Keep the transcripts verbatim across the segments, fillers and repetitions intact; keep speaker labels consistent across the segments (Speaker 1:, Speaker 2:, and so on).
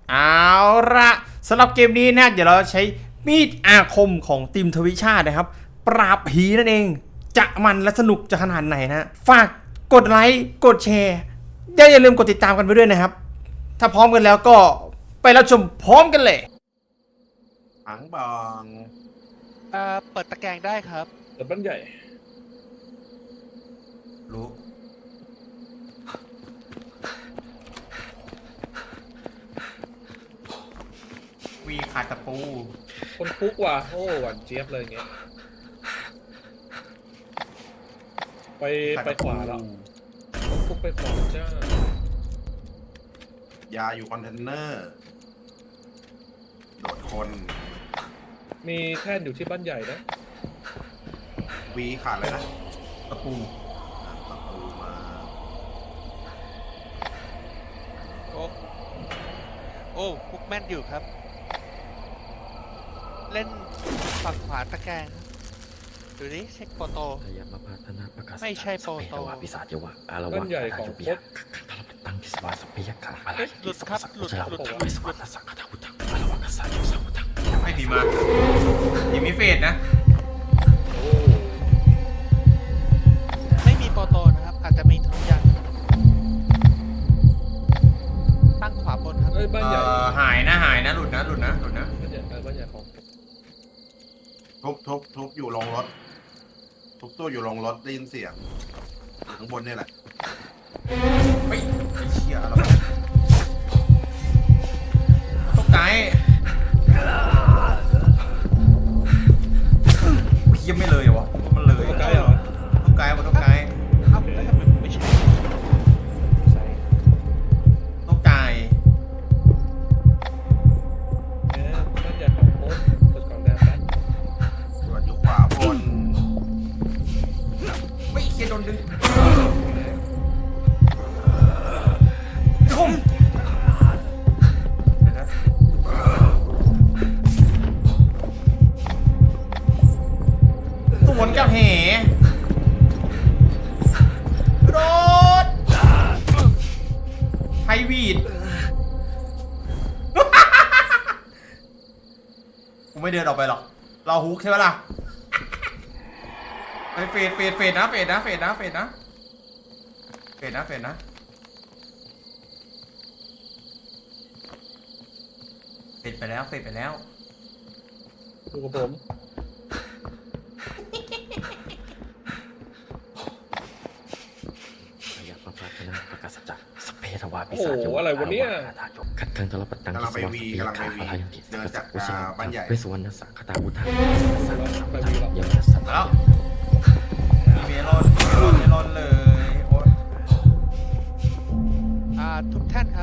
Speaker 1: เอาละสำหรับเกมนี้นะเดี๋ยวเราใช้มีดอาคมของทีมทวิชาตินะครับปราบผีนั่นเองจะมันและสนุกจะขนาดไหนนะฝากกดไลค์กดแชร์อย่าลืมกดติดตามกันไปด้วยนะครับถ้าพร้อมกันแล้วก็ไปรับชมพร้อมกันเลย
Speaker 2: ถังบอง
Speaker 3: เอ่อเปิดตะแกรงได้ครับ
Speaker 4: เปิดบ้านใหญ่
Speaker 1: รู้วีขาดตะปู
Speaker 4: คนคุกว่ะโอ้หวานเจี๊ยบเลยเงี้ยไปไปขวาแล้วคนคุกไปขวาจ้าย
Speaker 2: าอยู่คอนเทนเนอร์โดดคน
Speaker 4: มีแท่นอยู่ที่บ้านใหญ่นะ
Speaker 2: วีขาดเลยนะ
Speaker 1: ตะปู
Speaker 2: ตะปูมา
Speaker 3: โอ้โอ้พุกแม่นอยู่ครับ เล่นฝั่งขวาตะแกรงดูดิเช็คโปรโต
Speaker 5: พยายามมาพัฒนาประกาศ
Speaker 3: ไม่ใช่โปรโต
Speaker 5: สเปรวาปิศาจยวะอารวะ
Speaker 4: บ้านใหญ่ของ
Speaker 5: เปี
Speaker 4: ค
Speaker 5: ย
Speaker 4: ด
Speaker 5: ตั้งทิสวาสเปียกะอะไร
Speaker 3: หลุดครับหลุดหลุด
Speaker 5: วิสวาสสังฆทาวุธังอารวะกัสสะยุสังวุธัง
Speaker 1: ไม่ผีมาผีมีเฟสนะ
Speaker 4: โอ้
Speaker 3: ไม่มีโปรโตนะครับ อาจจะมีทุกอย่างตั้งขวาบนครับ
Speaker 4: เอ้ยบ้านใหญ่
Speaker 1: เอ่อหายนะหายนะหลุดนะหลุดนะหลุดนะ
Speaker 4: บ้านใหญ่เออบ้านใหญ่ของ
Speaker 2: ทุบทุบทุบอยู่ลงรถทุบตู้อยู่ลงรถได้ยินเสียงข้างบนนี่แหละ
Speaker 1: เฮ้ยไอ้เชี่ยอะไรวะตกใจเพี้ยไม่เลยเหรอวะมันเลย
Speaker 4: ใกล้เหรอ
Speaker 1: ตกใจหมดตกใจ
Speaker 3: เอ้าแล้วทำไมไม่ใช่
Speaker 4: ใช่
Speaker 1: ตกใจ
Speaker 4: เอ๊ะบ้านใหญ่ของโคดเปิดกล่องแดงแป๊บ
Speaker 2: ตรวจอยู่ขวาบน
Speaker 1: ไม่เคียโดนดึงคมเดี๋ยวนะสวนกับเหโดดไฮวีด กูไม่เดินออกไปหรอก เราฮุกใช่ไหมล่ะไปเฟดเฟดเฟดนะเฟดนะเฟดนะเฟดนะเฟดนะเฟดนะเฟดไปแล้วเฟดไปแล้ว
Speaker 4: ดูกับผม
Speaker 5: พยายามมาพัฒนาประกาศจักรสเปรวาปิ
Speaker 4: โอ้
Speaker 5: ศาจ
Speaker 4: โห
Speaker 5: ยวะ
Speaker 4: อะไรวะเนี่ย
Speaker 5: ขัดขังตลปัตตังทิสวาสเปียกะอะไรอย่างที่สังฆทาวุธังวิสวาสสังฆทาวุธังสังฆทาวุธังยมนัสสัต
Speaker 1: แล้ว
Speaker 5: ย
Speaker 1: เมลอนเมลอนเมลอนเลยโอ๊ย
Speaker 3: อ่าทุกท่านครับ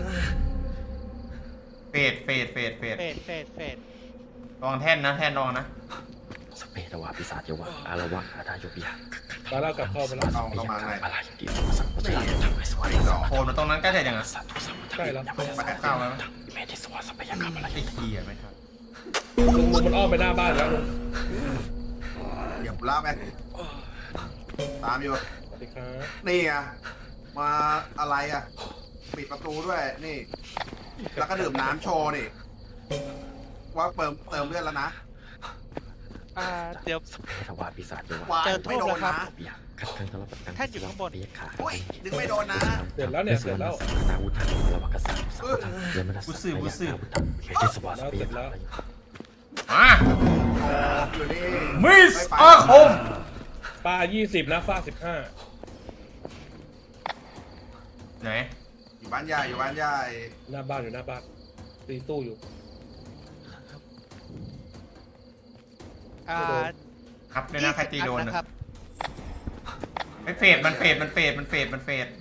Speaker 1: เฟดเฟดเฟดเฟด
Speaker 3: เฟดเฟดเฟด
Speaker 1: ระวังแท่นนะแท่นระวังนะ
Speaker 5: สเปรวาปิศาจยวะอารวะอาทายเปีย
Speaker 4: มาแล้วกลับเข้าไปแล้ว
Speaker 2: เอาเข้ามาไง
Speaker 5: อะไรอย่างที่สังฆทาวุธังวิสวาสสังฆ
Speaker 1: โค
Speaker 5: ทาน
Speaker 1: มันตรงนั้นใกล้เสร็จยังอ่ะ
Speaker 5: สัตตุสัมพุทธัง
Speaker 4: ใกล้แล้ว
Speaker 5: ยมนัสสัตยาวุธังเมธิสวาสเปียกะอะไร
Speaker 1: ไอ้เคียไม่ทัน
Speaker 4: ลุงลุงมันอ้อมไปหน้าบ้านแล้วลุง
Speaker 2: เหยียบล่าไปตามอยู่
Speaker 4: สวัสดีครับ
Speaker 2: นี่ไงมาอะไรอ่ะ ปิดประตูด้วยนี่ แล้วก็ดื่มน้ำโชว์นี่ว่าเติมเติมเลือดแล้วนะ
Speaker 3: อ่าเดี๋ยว
Speaker 5: สเปรวาปิศาจยวะ
Speaker 2: วาย
Speaker 3: เจอโทษ
Speaker 2: ไม่โดน
Speaker 3: นะครับ
Speaker 2: นะ
Speaker 5: เปียขัดขังตลปัตตัง
Speaker 3: ท่านอยู่ข้างบน
Speaker 5: เปียกะ
Speaker 2: อุ้ยดึงไม่โดนนะ
Speaker 4: เดี๋ยวแล้วเนี่ยเดี๋ยวแล้ว
Speaker 5: สังฆทาวุธังอารวะกัสสะยุสังฆทังยมนัสสัตยาวุธังเมธิสวาสเปียกะ
Speaker 1: มา
Speaker 2: อยู่นี่
Speaker 1: มิส
Speaker 2: ไไป
Speaker 1: อาคม
Speaker 4: ป้ายี่สิบนะฟ้าสิบห้า
Speaker 1: ไหน
Speaker 2: อยู่บ้านใหญ่อยู่บ้านใหญ่
Speaker 4: หน้าบ้านอยู่หน้าบ้านตีตู้อยู่
Speaker 3: อ่า
Speaker 1: ครับเลยนะใครตีโดน
Speaker 3: ยี่สิบอั
Speaker 1: นะ
Speaker 3: ครับ
Speaker 1: ไม่เฟดมันเฟดมันเฟดมันเฟดมันเฟด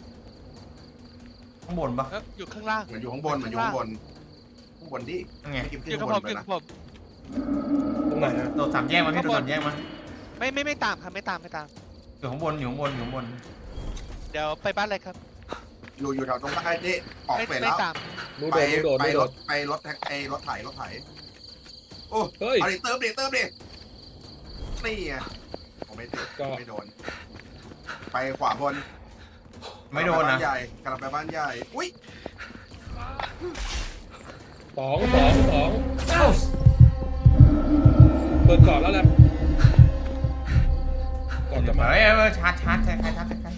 Speaker 1: ข้างบนปะ
Speaker 3: เอ้ยอยู่ข้างล่าง
Speaker 2: เหมือนอยู่ข้างบนเหมือนอยู่ข้างบนข้างบนดิ
Speaker 1: นั่นไง
Speaker 2: ไม่กิน
Speaker 3: อ
Speaker 2: ขึ้น
Speaker 3: ยู่กั
Speaker 2: ข้า
Speaker 3: บบ
Speaker 2: น
Speaker 3: ผม
Speaker 2: ไป
Speaker 3: อยู่
Speaker 2: นะ
Speaker 3: กับผม
Speaker 4: ตรงไหนฮะ
Speaker 1: โดดสามแยกมาพี่โดดสามแยกมา
Speaker 3: ไม่ไม่ไม่ตามครับไม่ตามไม่ตาม
Speaker 1: อยู่ข้างบนอยู่ข้างบนอยู่ข้างบน
Speaker 3: เดี๋ยวไปบ้านเลยครับ
Speaker 2: อยู่อยู่แถวตรงใต้นี่ออก
Speaker 3: ไม่
Speaker 2: ไป
Speaker 3: ไม่
Speaker 2: แล้ว
Speaker 3: ตาม
Speaker 4: นู
Speaker 2: ไป
Speaker 4: โดดนูโดด
Speaker 2: ไป
Speaker 4: นูโด
Speaker 2: ร
Speaker 4: ด
Speaker 2: ถไปรถแท็กไอรถไถรถไถโอ้
Speaker 4: เฮ้ย
Speaker 2: เอาดิเติมดิเติมดินี่ไงผมไม่ติด
Speaker 4: ก็
Speaker 2: ไม่โดน ไปขวาบน
Speaker 1: ไม่โดน
Speaker 2: กำลังปบ้า
Speaker 1: นะ
Speaker 2: ใหญ่กำลังไปบ้านใหญ่อุ้ย
Speaker 4: สองสองสองเปิดก่อนแล้วแหละก่อนจะมา
Speaker 1: เฮ้ยเออชาร์จชาร์จใช่ใครชาร์จใช่ใคร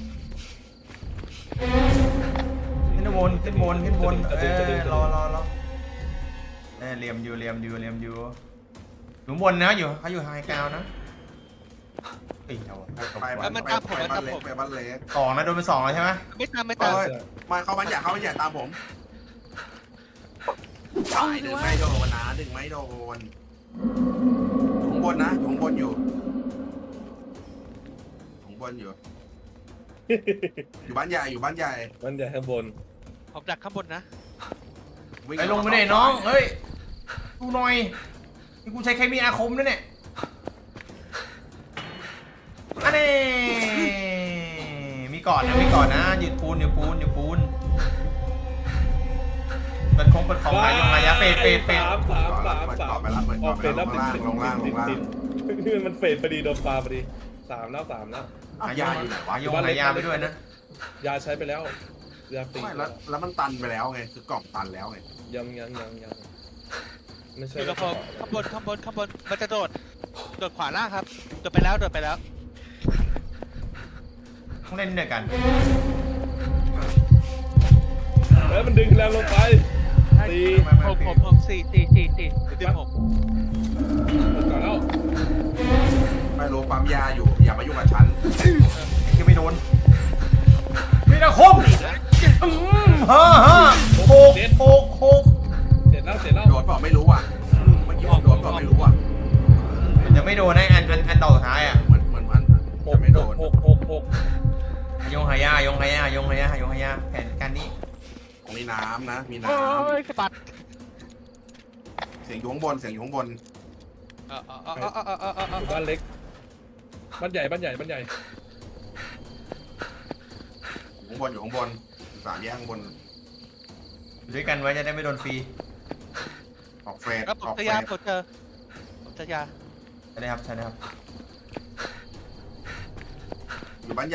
Speaker 1: ขึ้นบนขึ้นบนขึ้นบนเออรอรอรอเออเหลี่ยมอยู่เหลี่ยมอยู่เหลี่ยมอยู่อยู่บนนะอยู่เขาอยู่ไฮกราวนะตีเอา
Speaker 2: ไปบ้านไปบ้านเล็กไปบ้านเล็ก
Speaker 1: สองนะโดนไปสองแล้วใช่ไหม
Speaker 3: ไม่ตามไม่ตาม
Speaker 2: เอ้ยมาเขาบ้านใหญ่เขาบ้านใหญ่ตามผมตายดึงไม่โดนนะดึงไม่โดนอยู่ข้างบนนะอยู่ข้างบนอยู่ข้างบนอยู่ อยู่บ้านใหญ่อยู่บ้านใหญ่
Speaker 4: มันจะข้างบน
Speaker 3: ผมดักข้างบนนะ
Speaker 2: วิ่
Speaker 1: ไปลงไปเลยน้องเฮ้ยดูหน่อยนี่กูใช้เคมีอาคมด้วยเนี่ยอันนี้มีก่อนนะมีก่อนนะหยุดปูนหยุดปูนหยุดปูนเปิดคงเปิดของหายงหายาเฟดเฟดเฟด
Speaker 4: สามสามสาม
Speaker 2: เปิด
Speaker 4: สา
Speaker 2: ก่อ
Speaker 4: ม
Speaker 2: นไปแล้วเปิด
Speaker 4: อ
Speaker 2: ก่อ
Speaker 4: อน ก
Speaker 2: ไป
Speaker 4: เฟด
Speaker 2: แล้
Speaker 4: แล้ว ว
Speaker 2: ลงล่างลงล่างลงล่าง
Speaker 4: นี่มันเฟดพอดีโดนปลาพอดีสามแล้วสามแล้ว
Speaker 2: อ้าวยาอยู่ไหนวะ
Speaker 1: หายงหายาไปด้วยนะ
Speaker 4: ยาใช้ไปแล้วยาฟรี
Speaker 2: ไม่แล้วแล้วมันตันไปแล้วไงคือกล่องตันแล้วไง
Speaker 4: ยังยังยังยังไม่
Speaker 3: อ
Speaker 4: ใช่
Speaker 3: ยู่กับผมข้างบนข้างบนข้างบนมันจะโดดโดดขวาล่างครับโดดไปแล้วโดดไปแล้ว
Speaker 1: ต้องเล่นด้วยกัน
Speaker 4: แล้วมันดึงแรงลงไปตี
Speaker 3: ผมผมผมสี่สี่สี่สี่ดึงผม
Speaker 4: เปิดก่อนแล้ว
Speaker 2: ไม่รู้ปั๊มยาอยู่อย่ามายุ่งกับฉัน
Speaker 1: คือไม่โดนมีนาคมอืมฮ่าฮ่าโหกโหกโหก
Speaker 4: เสร็จแล้วเสร็จแล้ว
Speaker 2: โดนเปล่าไม่รู้อ่ะเมื่อกี้ผมโดนเปล่าไม่รู้อ่ะ
Speaker 1: จะไม่โดนนะอันอันอันต่อสุดท้ายอ่ะ
Speaker 2: เหมือนเหมือนมัน
Speaker 4: ห
Speaker 2: จะ
Speaker 4: ก
Speaker 2: ไม่โดน
Speaker 4: หกหกหก
Speaker 1: ยงหายายงหายายงหายายงหายาแผนการนี้
Speaker 2: มีน้ำนะมีน้
Speaker 3: โอ้ยสะบัด
Speaker 2: ำเสียงอยู่ข้างบนเสียงอยู่ข้างบน
Speaker 3: เออเออเออเออเออเออเออ
Speaker 4: อยู่บ้านเล็กบ้านใหญ่บ้านใหญ่บ้านใหญ่
Speaker 2: อยู่ข้างบนอยู่ข้างบนสามแยกข้างบน
Speaker 1: อยู่ด้วยกันไว้จะได้ไม่โดนฟรี
Speaker 2: ออกเฟส
Speaker 3: แล้วผม
Speaker 2: ออก
Speaker 3: จะ
Speaker 2: เฟ
Speaker 3: ยา
Speaker 2: ส
Speaker 3: ผมเจอผมจะยา
Speaker 1: ใช่ไหมครับใช่ไหมครับ
Speaker 2: อยู่บ้านใหญ่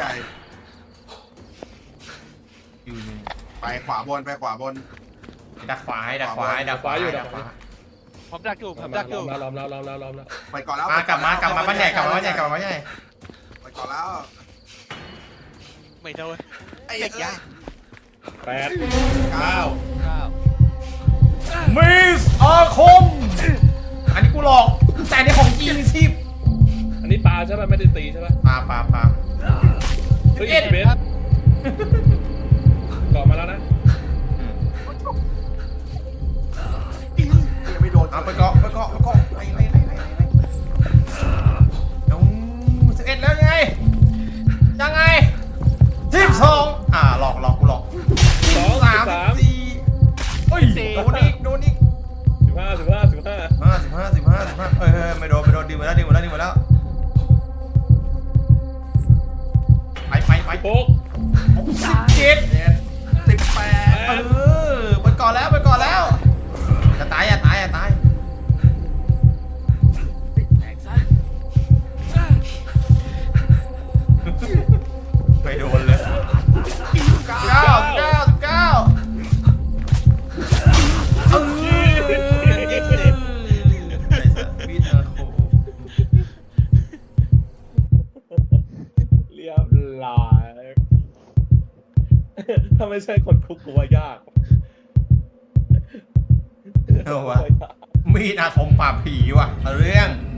Speaker 1: อยู่หนึ่ง
Speaker 2: ไปขวาบนไปขวาบน
Speaker 1: ดักขวาให้ดักขวาให้ดักขวาให้ดักขวา
Speaker 3: ผมดักอยู่ผม
Speaker 4: มา
Speaker 3: ดักอ
Speaker 4: ล้
Speaker 3: ยู่
Speaker 4: อมแล้วล้อมแล้วล้อมแล้วล้อมแล้ว
Speaker 2: ไปก่อนแล้ว
Speaker 1: มากลับมากลับมาบ้านใหญ่กลับมาบ้านใหญ่กลับมาบ้านใหญ่
Speaker 2: ไปก่อนแล้ว
Speaker 3: ไม่โดน
Speaker 2: ไอ้
Speaker 3: เด็ก
Speaker 2: เอ้
Speaker 3: ยาย
Speaker 4: แปด
Speaker 2: เก้า
Speaker 3: เก้า
Speaker 1: มิสอาคมอันนี้กูหลอกแต่อันนี้ของจริงสิบ
Speaker 4: อันนี้ปลาใช่ไหมไม่ได้ตีใช่ไหม
Speaker 1: ปาปาปา
Speaker 4: เฮ้ย
Speaker 1: เอ็ด
Speaker 4: อีกเบสก่อมาแล้วนะ
Speaker 2: ยังไม่โดน
Speaker 1: เอาไปเกาะไปเกาะไปเกาะไปไปไปไปไปน้องสิบเอ็ดแล้วยังไงยังไงสิบสองอ่าหลอกหลอกกูหลอก
Speaker 4: สอง
Speaker 1: สาม
Speaker 4: สาม
Speaker 1: สี่เฮ้ยโดนอีกโดนอีก
Speaker 4: สิบห้าสิบห้าสิบห้า
Speaker 1: ห้าสิบห้าสิบห้าสิบห้าเอ้ยไม่โดนไม่โดนดึงมาแล้วดึงมาแล้วดึงมาแล้วไปไปไป
Speaker 4: หก
Speaker 1: สิบเจ็ด
Speaker 2: สิบแปด
Speaker 1: เออไปก่อนแล้วไปก่อนแล้วอย่าตายอย่าตายอย่าตายไม่โดนเลยเก้าเก้าเก้าเออไอ้สัตว์พีทอาโค
Speaker 4: เรียบร้อยถ้าไม่ใช่คนคุกกูว่ายาก
Speaker 1: เอาวะมีดอาคมปราบผีว่ะเอาเรื่อง